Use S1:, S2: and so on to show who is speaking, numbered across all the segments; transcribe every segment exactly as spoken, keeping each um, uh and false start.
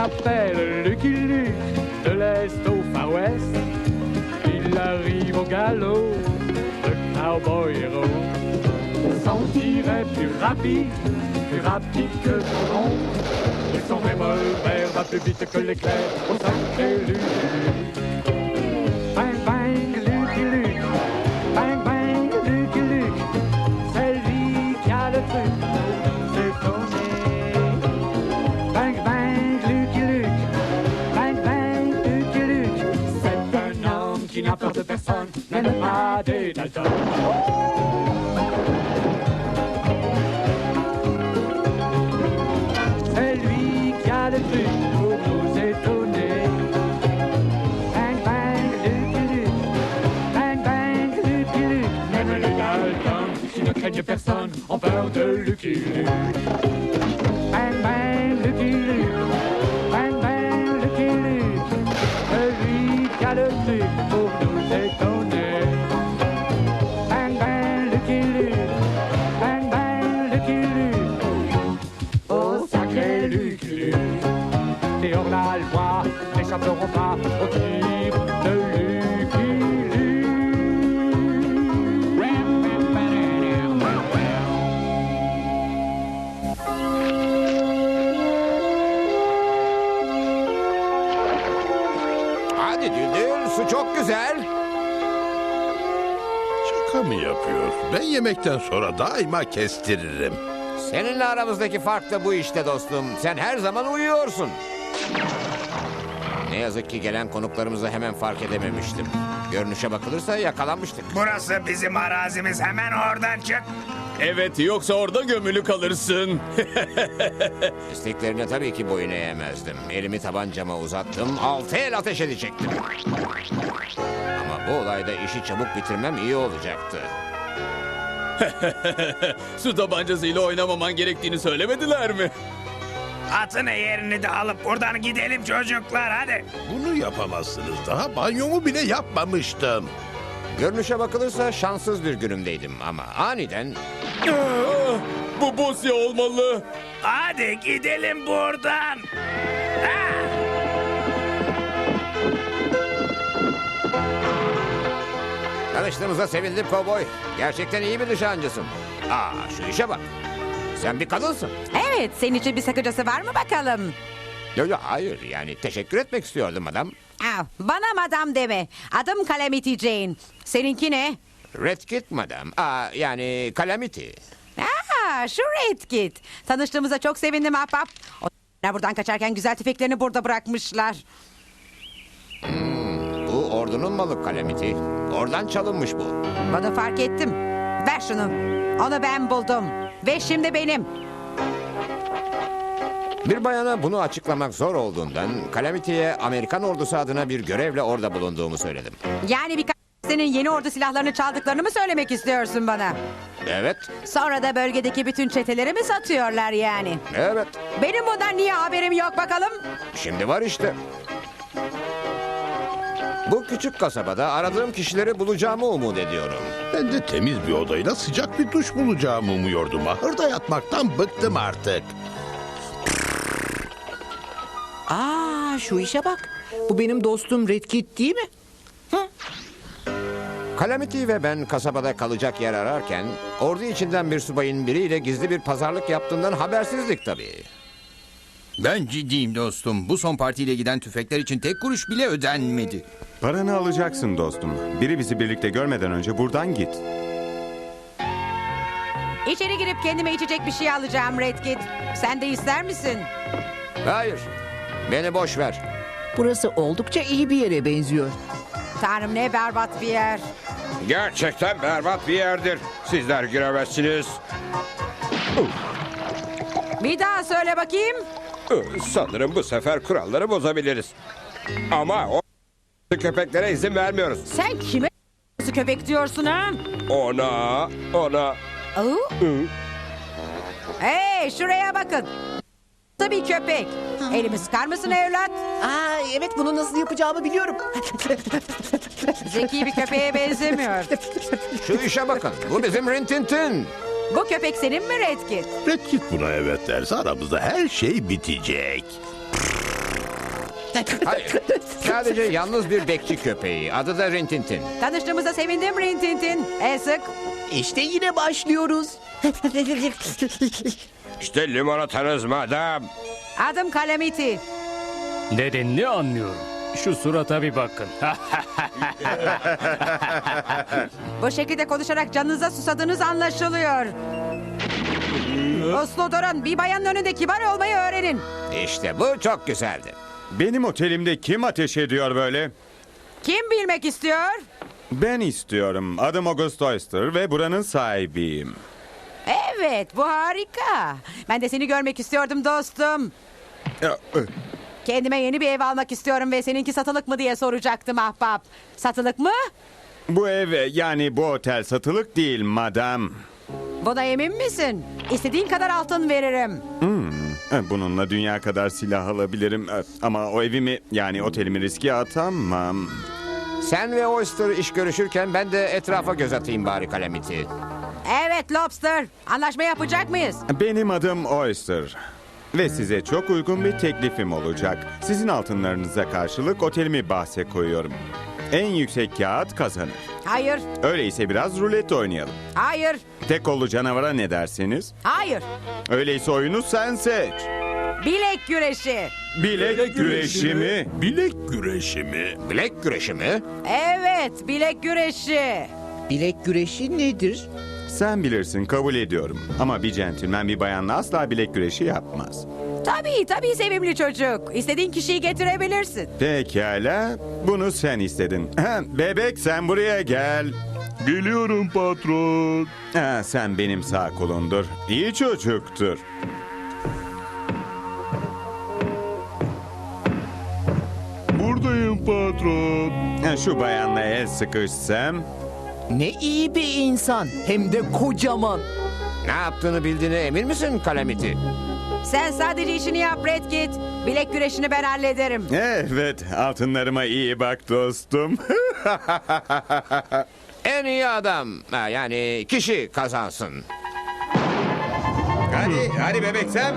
S1: l'appelle Lucky Luke, de l'Est au Far West. Il arrive au galop, le cowboy héros. Son tir est plus rapide, plus rapide que le son. Et son revolver va plus vite que l'éclair au sacré Lucky Luke. Bang bang Lucky Luke, bang bang Lucky Luke, c'est lui qui a le truc, c'est tourné. Bang bang Lucky Luke, bang bang Lucky Luke, c'est un homme qui n'a peur de personne, même pas des Dalton. C'est lui qui a le truc pour nous étonner. Bang bang Lucky Luke, bang bang Lucky Luke, même les Dalton qui ne craignent personne ont peur de Lucky Luke. Bang bang Lucky Luke, bang bang Lucky Luke, c'est lui qui a le truc pour nous étonner. Bang bang Lucky Luke, bang bang Lucky Luke, oh sacré Lucky Luke. Et hors la loi n'échapperont pas au tir de Lucky Luke.
S2: Hadi Düldül, su çok güzel.
S3: Şaka mı yapıyor? Ben yemekten sonra daima kestiririm.
S2: Seninle aramızdaki fark da bu işte dostum. Sen her zaman uyuyorsun. Ne yazık ki gelen konuklarımızı hemen fark edememiştim. Görünüşe bakılırsa yakalanmıştık.
S4: Burası bizim arazimiz. Hemen oradan çık.
S5: Evet, yoksa orada gömülü kalırsın.
S2: İsteklerine tabii ki boyun eğemezdim. Elimi tabancama uzattım, altı el ateş edecektim. Ama bu olayda işi çabuk bitirmem iyi olacaktı.
S5: Su tabancasıyla oynamaman gerektiğini söylemediler mi?
S4: Atını yerini de alıp buradan gidelim çocuklar hadi.
S3: Bunu yapamazsınız. Daha banyomu bile yapmamıştım.
S2: Görünüşe bakılırsa şanssız bir günümdeydim ama aniden...
S5: Aa, bu Bosya olmalı.
S4: Hadi gidelim buradan. Ha!
S2: Tanıştığımıza sevindim kovboy. Gerçekten iyi bir nişancısın. Aa, şu işe bak. Sen bir kadınsın.
S6: Evet, senin için bir sakıncası var mı bakalım?
S2: Yok yok, hayır, yani teşekkür etmek istiyordum adam.
S6: Ah, bana madam deme. Adım Calamity Jane. Seninki ne?
S2: Red Kit madam. Aa, yani Calamity.
S6: Aa, şu Red Kit. Tanıştığımıza çok sevindim ahbap. Onlar buradan kaçarken güzel tüfeklerini burada bırakmışlar.
S2: Hmm, bu ordunun malı Calamity. Oradan çalınmış bu.
S6: Bunu fark ettim. Ver şunu. Onu ben buldum. Ve şimdi benim.
S2: Bir bayana bunu açıklamak zor olduğundan Calamity'ye Amerikan ordusu adına bir görevle orada bulunduğumu söyledim.
S6: Yani birkaç senin yeni ordu silahlarını çaldıklarını mı söylemek istiyorsun bana?
S2: Evet,
S6: Sonra da bölgedeki bütün çeteleri mi satıyorlar yani?
S2: evet.
S6: Benim bundan niye haberim yok bakalım?
S2: Şimdi var işte. Bu küçük kasabada aradığım kişileri bulacağımı umut ediyorum.
S3: Ben de temiz bir odayla sıcak bir duş bulacağımı umuyordum. Ahırda yatmaktan bıktım artık.
S7: Aa, şu işe bak. Bu benim dostum Red Kit değil mi?
S2: Calamity ve ben kasabada kalacak yer ararken ordu içinden bir subayın biriyle gizli bir pazarlık yaptığından habersizdik tabii.
S8: Ben ciddiyim dostum. Bu son partiyle giden tüfekler için tek kuruş bile ödenmedi.
S9: Paranı alacaksın dostum. Biri bizi birlikte görmeden önce buradan git.
S6: İçeri girip kendime içecek bir şey alacağım Red Kit. Sen de ister misin?
S2: Hayır, beni boş ver.
S7: Burası oldukça iyi bir yere benziyor.
S6: Tanrım ne berbat bir yer.
S10: Gerçekten berbat bir yerdir. Sizler giremezsiniz.
S6: Bir daha söyle bakayım.
S10: Sanırım bu sefer kuralları bozabiliriz. Ama o köpeklere izin vermiyoruz.
S6: Sen kime köpek diyorsun ha?
S10: Ona, ona.
S6: Oo. Hey şuraya bakın. Bir köpek. Elimi sıkar mısın evlat?
S7: Aa, evet, bunu nasıl yapacağımı biliyorum.
S6: Zeki bir köpeğe benzemiyor.
S2: Şu işe bakın, bu bizim Rintintin.
S6: Bu köpek senin mi Red Kit?
S3: Red Kit buna evet derse aramızda her şey bitecek.
S2: Hayır. Sadece yalnız bir bekçi köpeği. Adı da Rintintin.
S6: Tanıştığımıza sevindim Rintintin. El sık.
S7: İşte yine başlıyoruz.
S10: İşte limonatanız madam.
S6: Adım Calamity.
S1: Nedenini anlıyorum. Şu surata bir bakın.
S6: Bu şekilde konuşarak canınıza susadığınız anlaşılıyor. Uslu durun. Bir bayanın önünde kibar olmayı öğrenin.
S2: İşte bu çok güzeldi.
S9: Benim otelimde kim ateş ediyor böyle?
S6: Kim bilmek istiyor?
S9: Ben istiyorum. Adım August Oyster ve buranın sahibiyim.
S6: Evet, bu harika. Ben de seni görmek istiyordum dostum. Kendime yeni bir ev almak istiyorum ve seninki satılık mı diye soracaktım ahbap. Satılık mı?
S9: Bu ev, yani bu otel satılık değil madam.
S6: Buna emin misin? İstediğin kadar altın veririm.
S9: Bununla dünya kadar silah alabilirim. Ama o evimi, yani otelimi riske atamam.
S2: Sen ve Oyster iş görüşürken ben de etrafa göz atayım bari Calamity.
S6: Evet Lobster. Anlaşma yapacak mıyız?
S9: Benim adım Oyster. Ve size çok uygun bir teklifim olacak. Sizin altınlarınıza karşılık otelimi bahse koyuyorum. En yüksek kağıt kazanır.
S6: Hayır,
S9: Öyleyse biraz rulet oynayalım.
S6: hayır,
S9: Tek kollu canavara ne dersiniz?
S6: hayır.
S9: Öyleyse oyunu sen seç.
S6: Bilek güreşi.
S9: Bilek güreşi mi?
S3: Bilek güreşi mi?
S2: Bilek güreşi mi?
S6: Evet, bilek güreşi.
S7: Bilek güreşi nedir?
S9: Sen bilirsin, kabul ediyorum. Ama bir centilmen bir bayanla asla bilek güreşi yapmaz.
S6: Tabii, tabii sevimli çocuk. İstediğin kişiyi getirebilirsin.
S9: Pekala, bunu sen istedin. Bebek sen buraya gel.
S3: Geliyorum patron.
S9: Ha, sen benim sağ kolundur. İyi çocuktur.
S3: Buradayım patron.
S9: Ha, şu bayanla el sıkışsam.
S7: Ne iyi bir insan. Hem de kocaman.
S2: Ne yaptığını bildiğine emin misin Calamity?
S6: Sen sadece işini yap Redkit. Bilek güreşini ben hallederim.
S9: Evet, altınlarıma iyi bak dostum.
S2: En iyi adam, ha, yani kişi kazansın.
S9: Hadi, hadi bebek sen.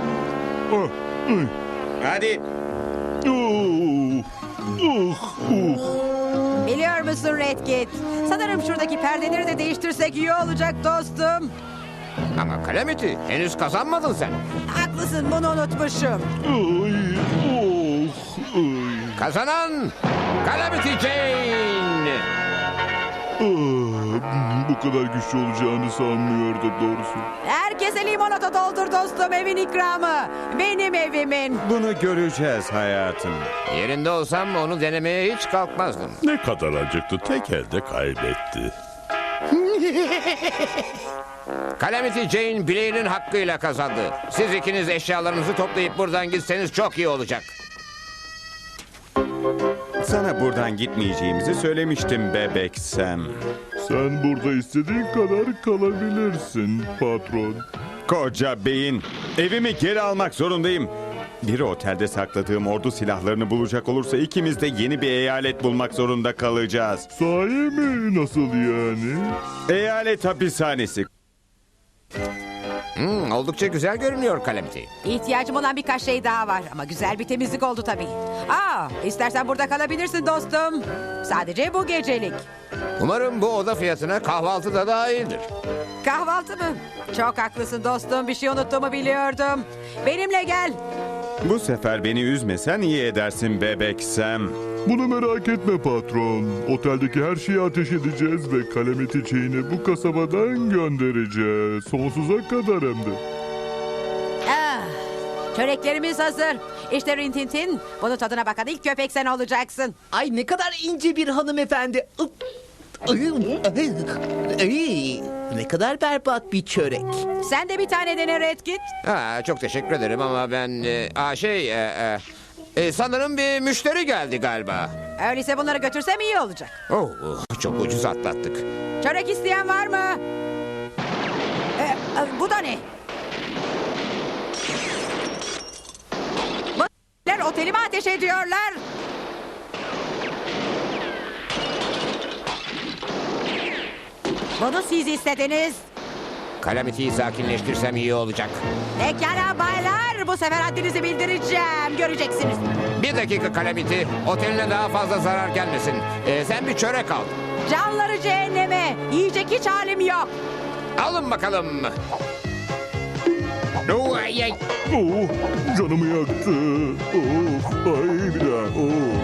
S9: Hadi.
S6: Biliyor musun Redkit? Sanırım şuradaki perdeleri de değiştirsek iyi olacak dostum.
S2: Ama Calamity, henüz kazanmadın sen.
S6: Haklısın, bunu unutmuşum.
S2: Kazanan Calamity Jane.
S3: Bu kadar güçlü olacağını sanmıyordum doğrusu.
S6: Herkese limonata doldur dostum, evin ikramı. Benim evimin.
S9: Bunu göreceğiz hayatım.
S2: Yerinde olsam onu denemeye hiç kalkmazdım.
S3: Ne kadar acıktı, tek elde kaybetti.
S2: Calamity Jane bileğinin hakkıyla kazandı. Siz ikiniz eşyalarınızı toplayıp buradan gitseniz çok iyi olacak.
S9: Sana buradan gitmeyeceğimizi söylemiştim bebek Sam.
S3: Sen burada istediğin kadar kalabilirsin patron.
S9: Koca beyin. Evimi geri almak zorundayım. Bir otelde sakladığım ordu silahlarını bulacak olursa ikimiz de yeni bir eyalet bulmak zorunda kalacağız.
S3: Sahi mi? Nasıl yani?
S9: Eyalet hapishanesi.
S2: Hmm, oldukça güzel görünüyor Calamity.
S6: İhtiyacım olan birkaç şey daha var ama güzel bir temizlik oldu tabii. Aa, istersen burada kalabilirsin dostum. Sadece bu gecelik.
S2: Umarım bu oda fiyatına kahvaltı da dahildir.
S6: Kahvaltı mı? Çok haklısın dostum, bir şey unuttuğumu biliyordum. Benimle gel.
S9: Bu sefer beni üzmesen iyi edersin bebek Sam.
S3: Bunu merak etme patron. Oteldeki her şeyi ateş edeceğiz ve Calamity Jane'i bu kasabadan göndereceğiz. Sonsuza kadar hem de.
S6: Ah, çöreklerimiz hazır. İşte Rintintin. Bunun tadına bakan ilk köpek sen olacaksın.
S7: Ay ne kadar ince bir hanımefendi. Ay, ne kadar berbat bir çörek.
S6: Sen de bir tane dene Redkit.
S2: Ha, çok teşekkür ederim ama ben... E, aa, şey... E, e, e, sanırım bir müşteri geldi galiba.
S6: Öyleyse bunları götürsem iyi olacak.
S2: Oh, çok ucuz atlattık.
S6: Çörek isteyen var mı? Ee, e, bu da ne? Bu otelime ateş ediyorlar. Bunu siz istediniz.
S2: Calamity'yi sakinleştirsem iyi olacak.
S6: Pekala baylar. çocuklar. Bu sefer haddinizi bildireceğim. Göreceksiniz.
S2: Bir dakika Calamity. Oteline daha fazla zarar gelmesin. Ee, sen bir çörek al.
S6: Canları cehenneme. Yiyecek hiç halim yok.
S2: Alın bakalım. Oo, ay, ay.
S3: Oh, canımı yaktı. Oh, ay bir daha. Oh.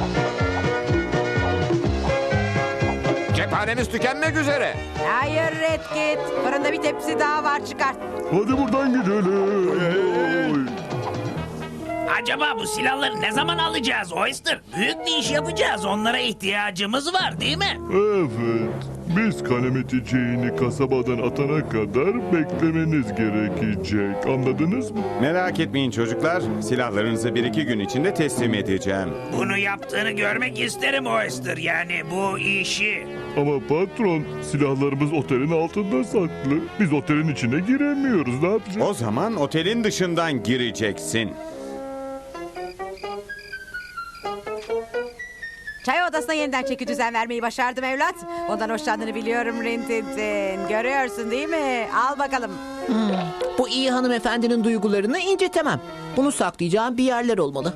S2: Cephanemiz tükenmek üzere.
S6: Hayır Redkit. Fırında bir tepsi daha var, çıkart.
S3: Hadi buradan gidelim. Oy.
S4: Acaba bu silahları ne zaman alacağız Oyster? Büyük bir iş yapacağız. Onlara ihtiyacımız var değil mi?
S3: Evet. Biz Calamity Jane'i kasabadan atana kadar beklemeniz gerekecek. Anladınız mı?
S9: Merak etmeyin çocuklar. Silahlarınızı bir iki gün içinde teslim edeceğim.
S4: Bunu yaptığını görmek isterim Oyster. Yani bu işi.
S3: Ama patron, silahlarımız otelin altında saklı. Biz otelin içine giremiyoruz. Ne yapacağız?
S9: O zaman otelin dışından gireceksin.
S6: Çay odasına yeniden çeki düzen vermeyi başardım evlat. Ondan hoşlandığını biliyorum Rintintin. Görüyorsun değil mi? Al bakalım.
S7: Bu iyi hanımefendinin duygularını incitemem. Bunu saklayacağım bir yerler olmalı.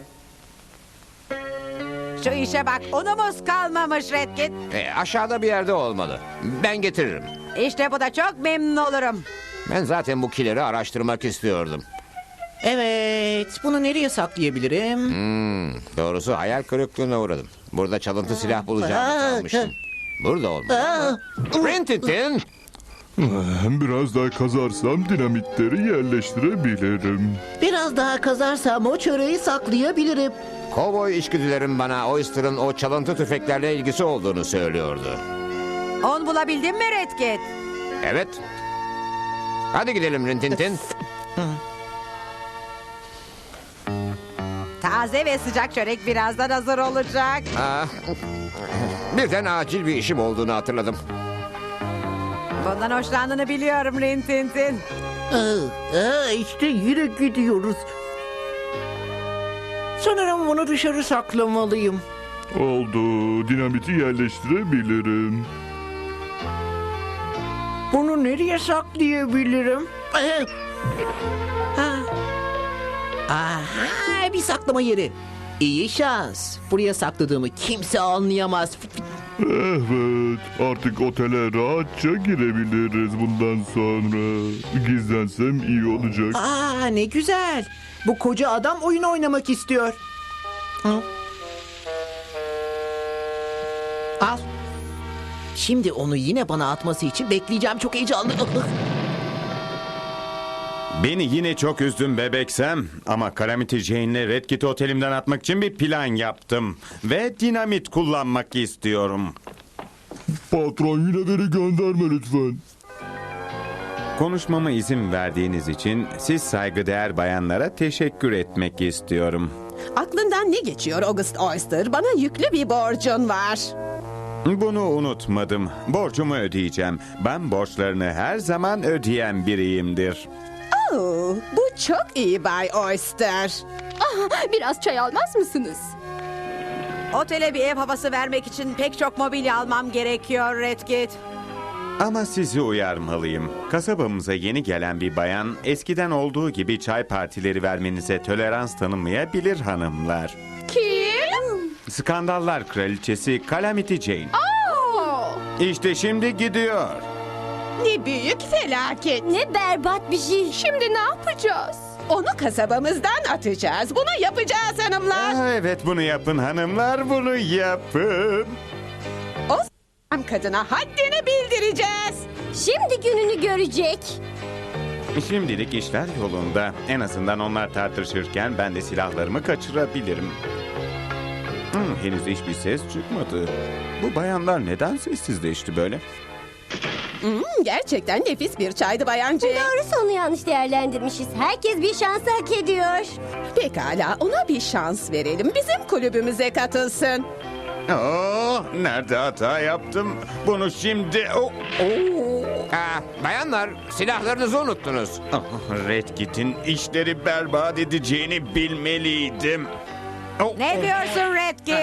S6: Şu işe bak, unumuz kalmamış Redkit.
S2: Ee, aşağıda bir yerde olmalı. Ben getiririm.
S6: İşte bu da çok memnun olurum.
S2: Ben zaten bu kileri araştırmak istiyordum.
S7: Evet, bunu nereye saklayabilirim?
S2: Hmm, doğrusu hayal kırıklığına uğradım. Burada çalıntı silah bulacağımı sanmıştım. Burada olmalı. Rintintin!
S3: Biraz daha kazarsam dinamitleri yerleştirebilirim.
S7: Biraz daha kazarsam o çöreği saklayabilirim.
S2: Kovboy içgüdülerim bana Oyster'ın o çalıntı tüfeklerle ilgisi olduğunu söylüyordu.
S6: On bulabildin mi Redkit?
S2: Evet. Hadi gidelim Rintintin.
S6: Taze ve sıcak çörek birazdan hazır olacak.
S2: Ah, birden acil bir işim olduğunu hatırladım.
S6: Bundan hoşlandığını biliyorum Rintintin.
S7: Aa, aa, işte yine gidiyoruz. Sanırım bunu dışarı saklamalıyım.
S3: Oldu. Dinamiti yerleştirebilirim.
S7: Bunu nereye saklayabilirim? Ee, ha. Aha, bir saklama yeri. İyi şans. Buraya sakladığımı kimse anlayamaz.
S3: Evet. Artık otele rahatça girebiliriz bundan sonra. Gizlensem iyi olacak.
S7: Aa, ne güzel. Bu koca adam oyun oynamak istiyor. Hı? Al. Şimdi onu yine bana atması için bekleyeceğim. Çok heyecanlı.
S9: Beni yine çok üzdün bebeksem ama Calamity Jane'le Redkit'i otelimden atmak için bir plan yaptım. Ve dinamit kullanmak istiyorum.
S3: Patron yine beni gönderme lütfen.
S9: Konuşmama izin verdiğiniz için siz saygıdeğer bayanlara teşekkür etmek istiyorum.
S11: Aklından ne geçiyor August Oyster? Bana yüklü bir borcun var.
S9: Bunu unutmadım. Borcumu ödeyeceğim. Ben borçlarını her zaman ödeyen biriyimdir.
S11: Oo, bu çok iyi Bay Oyster.
S12: Ah, biraz çay almaz mısınız?
S6: Otele bir ev havası vermek için pek çok mobilya almam gerekiyor Redkit.
S9: Ama sizi uyarmalıyım. Kasabamıza yeni gelen bir bayan eskiden olduğu gibi çay partileri vermenize tolerans tanımayabilir hanımlar.
S12: Kim?
S9: Skandallar kraliçesi Calamity Jane.
S12: Aa!
S9: İşte şimdi gidiyor.
S11: Ne büyük felaket.
S12: Ne berbat bir şey. Şimdi ne yapacağız?
S11: Onu kasabamızdan atacağız. Bunu yapacağız hanımlar.
S9: Aa, evet bunu yapın hanımlar, bunu yapın.
S11: O s*** kadına haddini bildireceğiz.
S12: Şimdi gününü görecek.
S9: Şimdilik işler yolunda. En azından onlar tartışırken ben de silahlarımı kaçırabilirim. Hmm, henüz hiçbir ses çıkmadı. Bu bayanlar neden sessizleşti böyle?
S11: Hmm, gerçekten nefis bir çaydı bayancı.
S12: Doğrusu onu yanlış değerlendirmişiz. Herkes bir şans hak ediyor.
S11: Pekala, ona bir şans verelim. Bizim kulübümüze katılsın.
S9: Oh, nerede hata yaptım? Bunu şimdi... Oh, oh.
S2: Aa, bayanlar, silahlarınızı unuttunuz.
S9: Ah, Redkit'in işleri berbat edeceğini bilmeliydim. Oh,
S6: Ne diyorsun Redkit?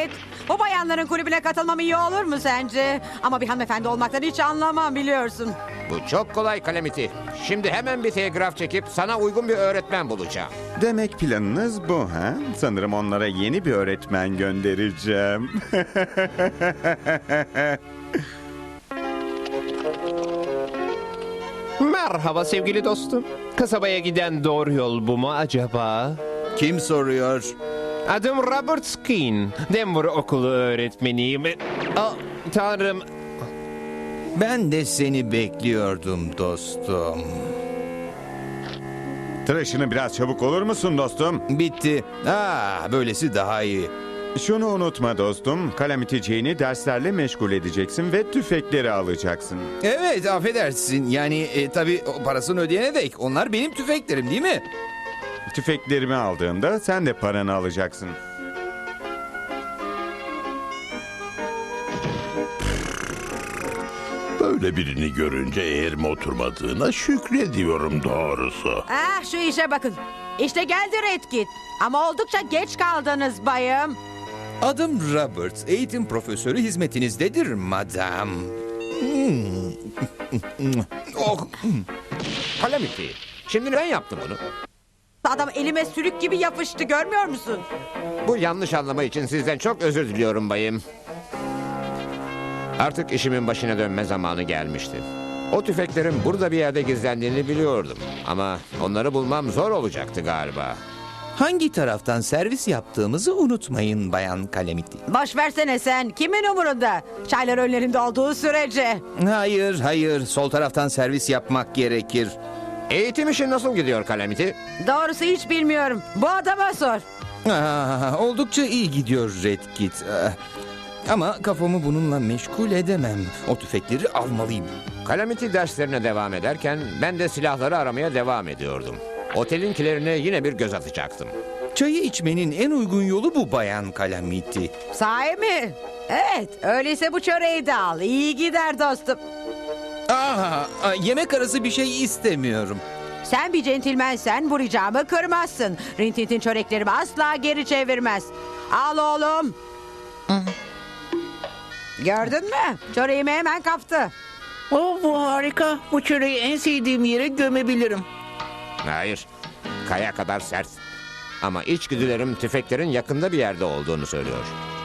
S6: Bu bayanların kulübüne katılmam iyi olur mu sence? Ama bir hanımefendi olmaktan hiç anlamam biliyorsun.
S2: Bu çok kolay Calamity. Şimdi hemen bir telgraf çekip sana uygun bir öğretmen bulacağım.
S9: Demek planınız bu ha? Sanırım onlara yeni bir öğretmen göndereceğim.
S13: Merhaba sevgili dostum. Kasabaya giden doğru yol bu mu acaba?
S8: Kim soruyor?
S13: Adım Robert Skin. Denver okulu öğretmeniyim. Aa, tanrım.
S8: Ben de seni bekliyordum dostum.
S9: Tıraşını biraz çabuk olur musun dostum?
S8: Bitti. Aa, böylesi daha iyi.
S9: Şunu unutma dostum. Calamity Jane'i derslerle meşgul edeceksin ve tüfekleri alacaksın.
S8: Evet, affedersin. Yani e, tabii o parasını ödeyene dek. Onlar benim tüfeklerim değil mi?
S9: Tüfeklerimi aldığında sen de paranı alacaksın.
S14: Böyle birini görünce eğerime oturmadığına şükrediyorum doğrusu.
S6: Ah şu işe bakın. İşte geldi Redkit. Ama oldukça geç kaldınız bayım.
S8: Adım Robert. Eğitim profesörü hizmetinizdedir madam. Hmm.
S2: Oh. Calamity. Şimdi ben yaptım bunu.
S6: Adam elime sürük gibi yapıştı görmüyor musun?
S2: Bu yanlış anlama için sizden çok özür diliyorum bayım. Artık işimin başına dönme zamanı gelmişti. O tüfeklerin burada bir yerde gizlendiğini biliyordum. Ama onları bulmam zor olacaktı galiba.
S8: Hangi taraftan servis yaptığımızı unutmayın Bayan Calamity.
S6: Boş versene sen. Kimin umurunda? Çaylar önlerinde olduğu sürece.
S8: Hayır, hayır. Sol taraftan servis yapmak gerekir.
S2: Eğitim işi nasıl gidiyor Calamity?
S6: Doğrusu hiç bilmiyorum. Bu adama sor.
S8: Aa, oldukça iyi gidiyor Redkit. Aa, ama kafamı bununla meşgul edemem. O tüfekleri almalıyım.
S2: Calamity derslerine devam ederken ben de silahları aramaya devam ediyordum. Otelinkilerine yine bir göz atacaktım.
S8: Çayı içmenin en uygun yolu bu Bayan Calamity.
S6: Sahi mi? Evet, öyleyse bu çöreği de al. İyi gider dostum.
S8: Aa, yemek arası bir şey istemiyorum.
S6: Sen bir centilmensen bu ricamı kırmazsın. Rintintin çöreklerimi asla geri çevirmez. Al oğlum. Gördün mü? Çöreğimi hemen kaptı.
S7: Oh, bu harika. Bu çöreği en sevdiğim yere gömebilirim.
S2: Hayır, kaya kadar sert. Ama içgüdülerim tüfeklerin yakında bir yerde olduğunu söylüyor.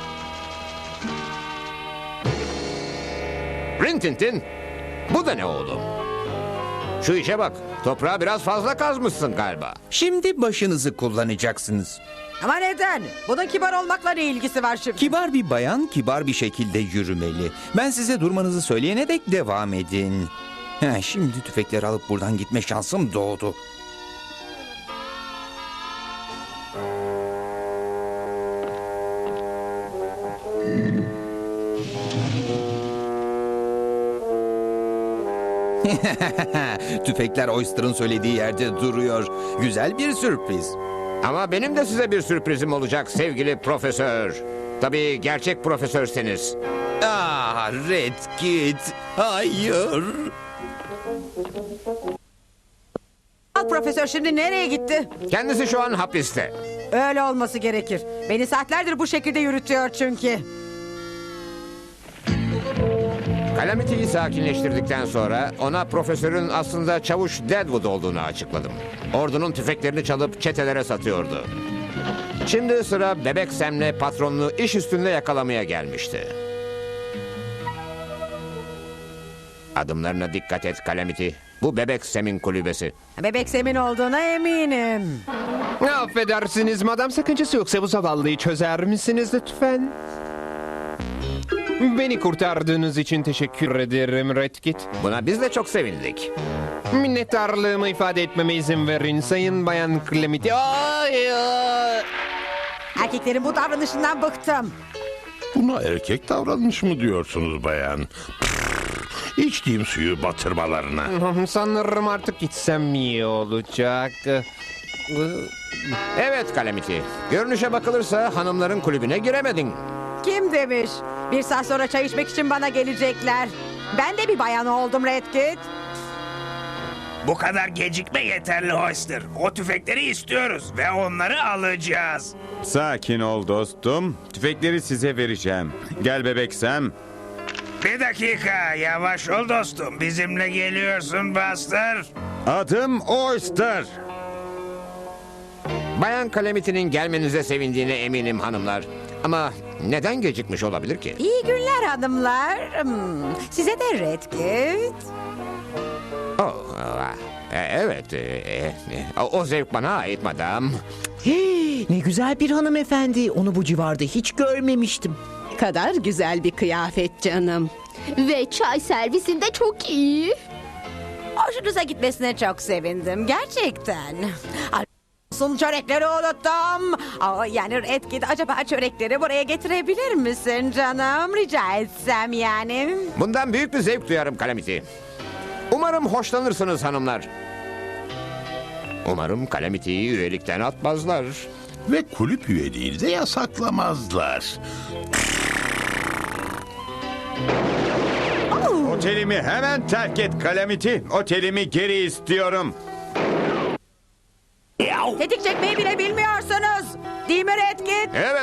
S2: Rintintin, bu da ne oğlum? Şu işe bak, toprağı biraz fazla kazmışsın galiba.
S8: Şimdi başınızı kullanacaksınız.
S6: Ama neden? Bunun kibar olmakla ne ilgisi var şimdi?
S8: Kibar bir bayan kibar bir şekilde yürümeli. Ben size durmanızı söyleyene dek devam edin. Ha, şimdi tüfekleri alıp buradan gitme şansım doğdu. Tüfekler Oyster'ın söylediği yerde duruyor. Güzel bir sürpriz.
S2: Ama benim de size bir sürprizim olacak sevgili profesör. Tabii gerçek profesörseniz.
S8: Ah, Redkit. Hayır.
S6: Al profesör şimdi nereye gitti?
S2: Kendisi şu an hapiste.
S6: Öyle olması gerekir. Beni saatlerdir bu şekilde yürütüyor çünkü.
S2: Calamity'yi sakinleştirdikten sonra ona profesörün aslında çavuş Deadwood olduğunu açıkladım. Ordunun tüfeklerini çalıp çetelere satıyordu. Şimdi sıra Bebek Sam'le patronunu iş üstünde yakalamaya gelmişti. Adımlarına dikkat et Calamity. Bu Bebek Sam'in kulübesi.
S6: Bebek Sem'in olduğuna eminim.
S13: Affedersiniz madam, sakıncası yoksa bu zavallıyı çözer misiniz lütfen? Beni kurtardığınız için teşekkür ederim Redkit.
S2: Buna biz de çok sevindik.
S13: Minnettarlığımı ifade etmeme izin verin Sayın Bayan Calamity. Ay, ay.
S6: Erkeklerin bu davranışından bıktım.
S14: Buna erkek davranış mı diyorsunuz bayan? İçtiğim suyu batırmalarına.
S13: Sanırım artık gitsem iyi olacak.
S2: Evet Calamity. Görünüşe bakılırsa hanımların kulübüne giremedin.
S6: Kim demiş? Bir saat sonra çay içmek için bana gelecekler. Ben de bir bayan oldum Redkit.
S4: Bu kadar gecikme yeterli Oyster. O tüfekleri istiyoruz ve onları alacağız.
S9: Sakin ol dostum. Tüfekleri size vereceğim. Gel bebek Sam.
S4: Bir dakika, yavaş ol dostum. Bizimle geliyorsun Buster.
S9: Adım Oyster.
S2: Bayan Calamity'nin gelmenize sevindiğine eminim hanımlar. Ama neden gecikmiş olabilir ki?
S6: İyi günler hanımlar. Hmm, size de Redkit.
S2: Oh, ah, e, evet, e, e, o zevk bana ait madam.
S7: Hey, ne güzel bir hanımefendi. Onu bu civarda hiç görmemiştim.
S11: Kadar güzel bir kıyafet canım.
S12: Ve çay servisinde çok iyi.
S6: Hoşunuza gitmesine çok sevindim. Gerçekten. Sun çörekleri unuttum. Aa, yani Redkit, acaba çörekleri buraya getirebilir misin canım? Rica etsem yani.
S2: Bundan büyük bir zevk duyarım Calamity. Umarım hoşlanırsınız hanımlar. Umarım Calamity'yi üyelikten atmazlar.
S14: Ve kulüp üyeliğini de yasaklamazlar.
S9: Otelimi hemen terk et Calamity. Otelimi geri istiyorum.
S6: Tetik çekmeyi bile bilmiyorsunuz. Değil mi Redkit?
S2: Evet.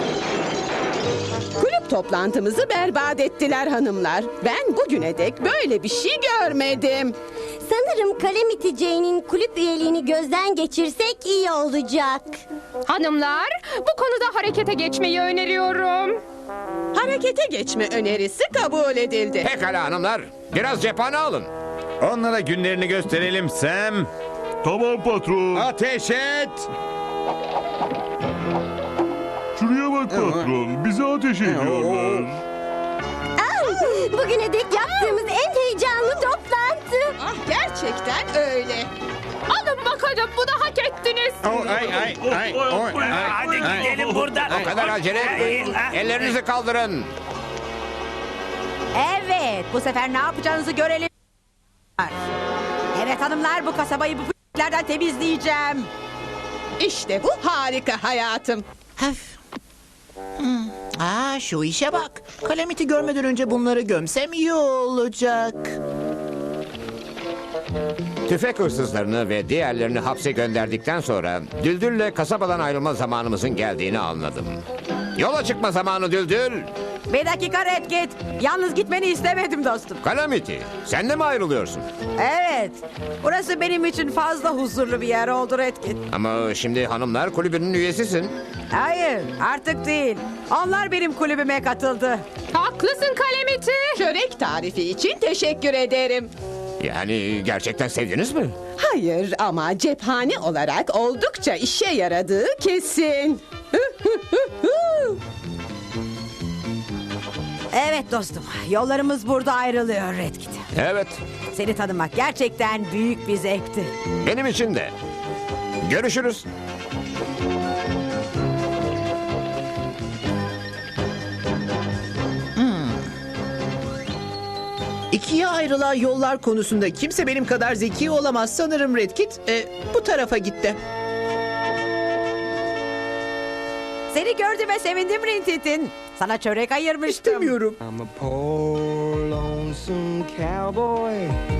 S11: Kulüp toplantımızı berbat ettiler hanımlar. Ben bugüne dek böyle bir şey görmedim.
S12: Sanırım Calamity Jane'in kulüp üyeliğini gözden geçirsek iyi olacak.
S15: Hanımlar, bu konuda harekete geçmeyi öneriyorum.
S11: Harekete geçme önerisi kabul edildi.
S2: Pekala hanımlar. Biraz cephane alın.
S9: Onlara günlerini gösterelim Sam.
S3: Tamam patron.
S9: Ateş et.
S3: Şuraya bak patron. Bize ateş ediyorlar.
S12: Bugüne dek yaptığımız en heyecanlı toplantı.
S11: Ah, gerçekten öyle.
S15: Alın bakalım, bunu hak ettiniz.
S9: Oh, ay, ay, ay, oh, ay,
S4: Hadi
S9: ay.
S4: gidelim buradan.
S2: O kadar acele etmeyin. Ellerinizi kaldırın.
S6: Evet, bu sefer ne yapacağınızı görelim. Evet hanımlar, bu kasabayı bu p***lerden temizleyeceğim.
S11: İşte bu harika hayatım.
S7: Hmm. Aa, şu işe bak. Calamity görmeden önce bunları gömsem iyi olacak.
S2: Tüfek hırsızlarını ve diğerlerini hapse gönderdikten sonra Düldül'le kasabadan ayrılma zamanımızın geldiğini anladım. Yola çıkma zamanı Düldül.
S6: Bir dakika Redkit. Yalnız gitmeni istemedim dostum.
S2: Calamity, sen de mi ayrılıyorsun?
S6: Evet. Burası benim için fazla huzurlu bir yer oldu Redkit.
S2: Ama şimdi hanımlar kulübünün üyesisin.
S6: Hayır, artık değil. Onlar benim kulübüme katıldı.
S15: Haklısın Calamity.
S11: Çörek tarifi için teşekkür ederim.
S2: Yani gerçekten sevdiniz mi?
S11: Hayır ama cephane olarak oldukça işe yaradığı kesin.
S6: Evet dostum, yollarımız burada ayrılıyor Redkit.
S2: Evet,
S6: Seni tanımak gerçekten büyük bir zevkti.
S2: benim için de. Görüşürüz.
S7: İkiye ayrılan yollar konusunda kimse benim kadar zeki olamaz sanırım Redkit. Ee, bu tarafa gitti.
S6: Seni gördüğüme sevindim Rintintin. Sana çörek ayırmıştım.
S7: İstemiyorum.
S1: I'm a poor lonesome cowboy